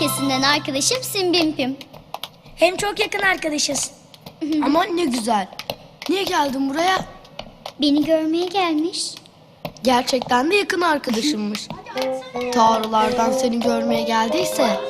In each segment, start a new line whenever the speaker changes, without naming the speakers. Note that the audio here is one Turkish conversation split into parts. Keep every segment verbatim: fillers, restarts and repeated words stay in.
öncesinden arkadaşım Simbimpim.
Hem çok yakın arkadaşız.
Aman ne güzel. Niye geldin buraya?
Beni görmeye gelmiş.
Gerçekten de yakın arkadaşımmış. Tanrılardan seni görmeye geldiyse.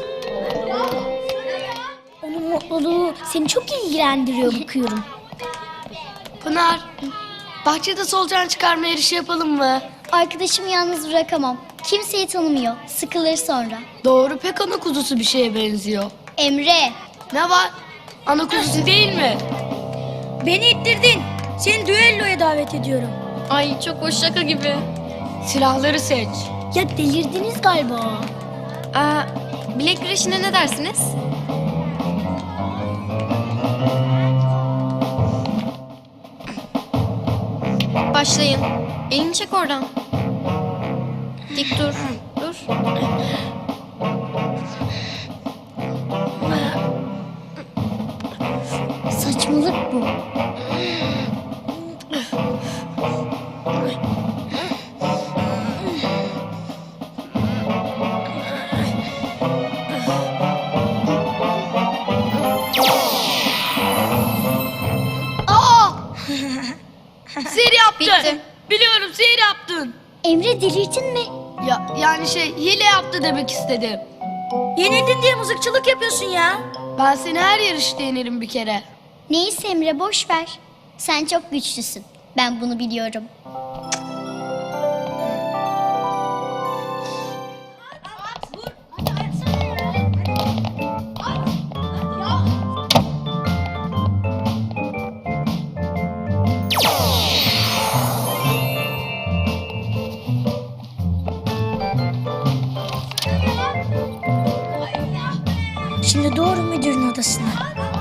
Onun mutluluğu seni çok ilgilendiriyor bakıyorum.
Pınar, bahçede solucan çıkarma yarışı yapalım mı?
Arkadaşımı yalnız bırakamam. Kimseyi tanımıyor. Sıkılır sonra.
Doğru, pek ana kuzusu bir şeye benziyor.
Emre.
Ne var? Ana kuzusu değil mi?
Beni ittirdin. Seni düelloya davet ediyorum.
Ay çok hoş, şaka gibi.
Silahları seç.
Ya delirdiniz galiba.
Aa, bilek güreşine ne dersiniz? Başlayın. Elini çek oradan. Dik dur. Dur.
Saçmalık bu.
Sihir yaptın.
Bitti.
Biliyorum, sihir yaptın.
Emre delirdin mi?
Ya yani şey, hile yaptı demek istedim.
Yenildin diye mızıkçılık yapıyorsun ya.
Ben seni her yarışta yenerim bir kere.
Neyse Emre boş ver. Sen çok güçlüsün. Ben bunu biliyorum.
Şimdi doğru müdürün odasına.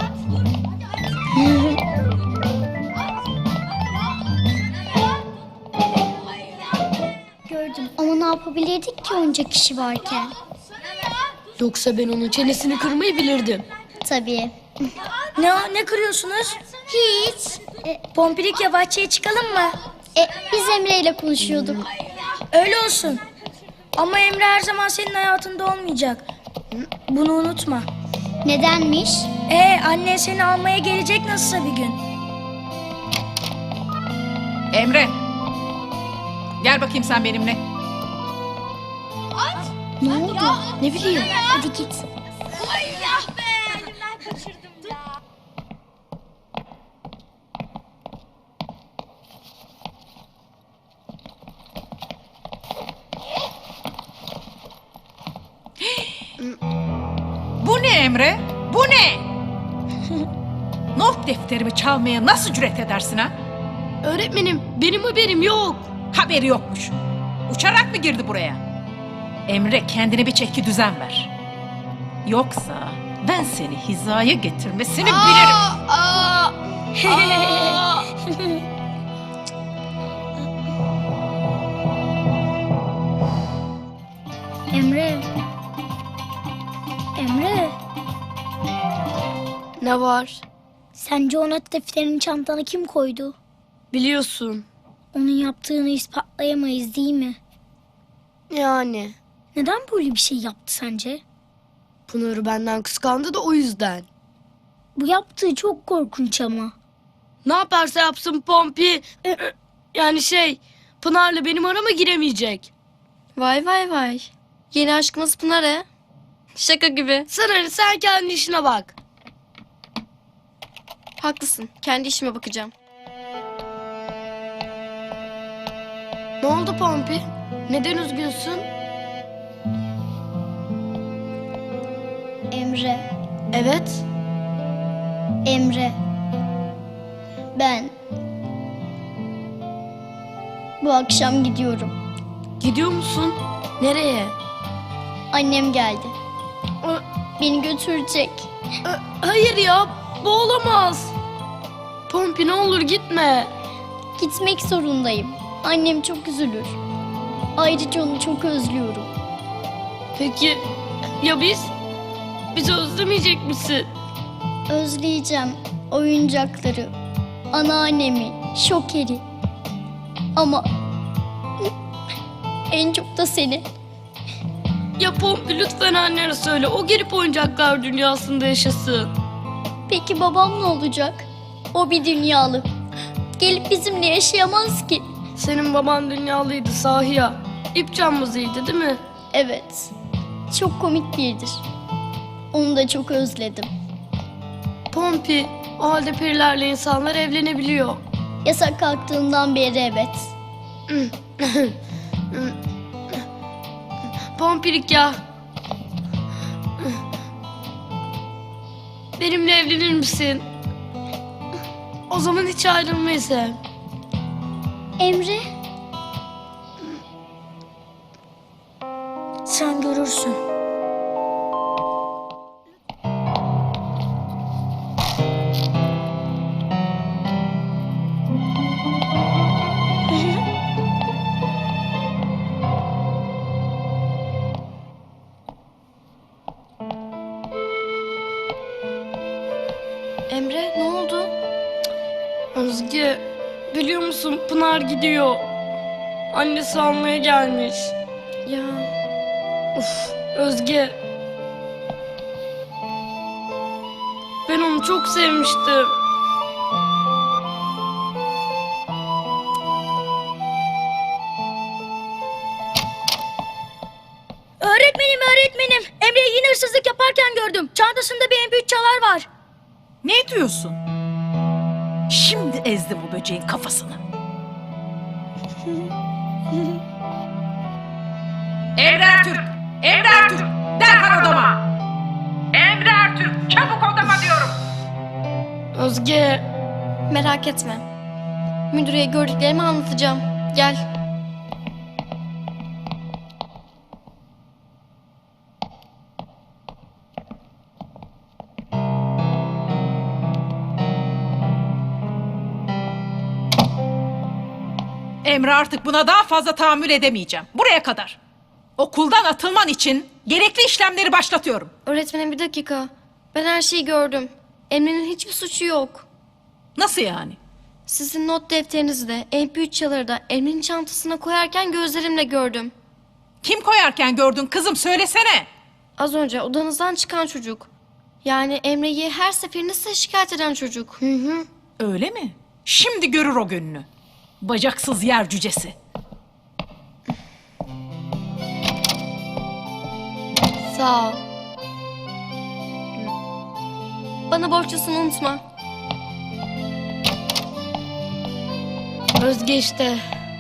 Gördüm ama ne yapabilirdik ki onca kişi varken?
Yoksa ben onun çenesini kırmayı bilirdim.
Tabii.
Ne o? Ne kırıyorsunuz?
Hiç. E,
Pompilik ya bahçeye çıkalım mı?
e, biz Emre ile konuşuyorduk.
Öyle olsun. Ama Emre her zaman senin hayatında olmayacak. Bunu unutma.
Nedenmiş?
Ee, annen seni almaya gelecek nasılsa bir gün.
Emre. Gel bakayım sen benimle.
Ne oldu?
Ne bileyim.
Hadi git.
Bu ne Emre? Bu ne? Not defterimi çalmaya nasıl cüret edersin ha?
Öğretmenim, benim haberim yok.
Haberi yokmuş. Uçarak mı girdi buraya? Emre, kendine bir çeki düzen ver. Yoksa ben seni hizaya getirmesini bilirim.
Aa, aa, aa.
Emre. Emre.
Ne var?
Sence o not defterini çantana kim koydu?
Biliyorsun.
Onun yaptığını ispatlayamayız değil mi?
Yani.
Neden böyle bir şey yaptı sence?
Pınar'ı benden kıskandı da o yüzden.
Bu yaptığı çok korkunç ama.
Ne yaparsa yapsın Pompi. Yani şey, Pınar'la benim arama giremeyecek.
Vay vay vay. Yeni aşkımız Pınar he. Şaka gibi.
Sen hani sen kendi işine bak.
Haklısın. Kendi işime bakacağım.
Ne oldu Pompi? Neden üzgünsün?
Emre.
Evet.
Emre. Ben bu akşam gidiyorum.
Gidiyor musun? Nereye?
Annem geldi.
Ö-
Beni götürecek.
ö- Hayır ya, bu olamaz. Pompi ne olur gitme.
Gitmek zorundayım. Annem çok üzülür. Ayrıca onu çok özlüyorum.
Peki ya biz? Bizi özlemeyecek misin?
Özleyeceğim oyuncakları, anneannemi, Şoker'i. Ama en çok da seni.
Ya Pompi lütfen annene söyle. O gelip oyuncaklar dünyasında yaşasın.
Peki babam ne olacak? O bir dünyalı. Gelip bizimle yaşayamaz ki.
Senin baban dünyalıydı sahi ya. İp cambazıydı değil mi?
Evet. Çok komik biridir. Onu da çok özledim.
Pompi, o halde perilerle insanlar evlenebiliyor.
Yasak kalktığından beri evet.
Pompilik ya. Benimle evlenir misin? O zaman hiç ayrılmayız hem.
Emre,
Sen görürsün.
Emre ne oldu?
Özge, biliyor musun Pınar gidiyor. Annesi almaya gelmiş.
Ya
Uf, Özge. Ben onu çok sevmiştim.
Öğretmenim öğretmenim. Emre'yi yine hırsızlık yaparken gördüm. Çantasında bir M P üç çalar var.
Ne diyorsun? Şimdi ezdim o böceğin kafasını. Emre Ertürk! Emre Ertürk! Derhal odama! Emre Ertürk! Çabuk odama diyorum!
Özge,
merak etme. Müdüreye gördüklerimi anlatacağım. Gel.
Emre artık buna daha fazla tahammül edemeyeceğim. Buraya kadar. Okuldan atılman için gerekli işlemleri başlatıyorum.
Öğretmenim bir dakika. Ben her şeyi gördüm. Emre'nin hiçbir suçu yok.
Nasıl yani?
Sizin not defterinizi de M P üç çaları da Emre'nin çantasına koyarken gözlerimle gördüm.
Kim koyarken gördün kızım söylesene.
Az önce odanızdan çıkan çocuk. Yani Emre'yi her seferinde size şikayet eden çocuk. Hı hı.
Öyle mi? Şimdi görür o gününü. Bacaksız yer cücesi.
Sağ ol. Bana borçlusunu unutma.
Özge işte.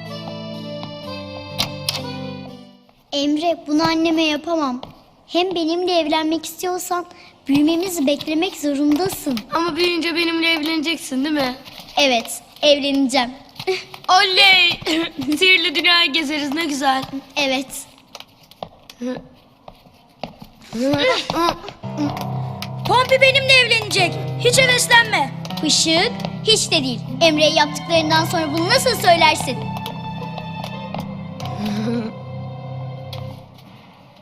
Emre bunu anneme yapamam. Hem benimle evlenmek istiyorsan büyümemizi beklemek zorundasın.
Ama büyüyünce benimle evleneceksin değil mi?
Evet, evleneceğim.
Oley! Sihirli dünyayı gezeriz ne güzel.
Evet.
Pompi benimle evlenecek. Hiç heveslenme.
Işık hiç de değil. Emre'ye yaptıklarından sonra bunu nasıl söylersin?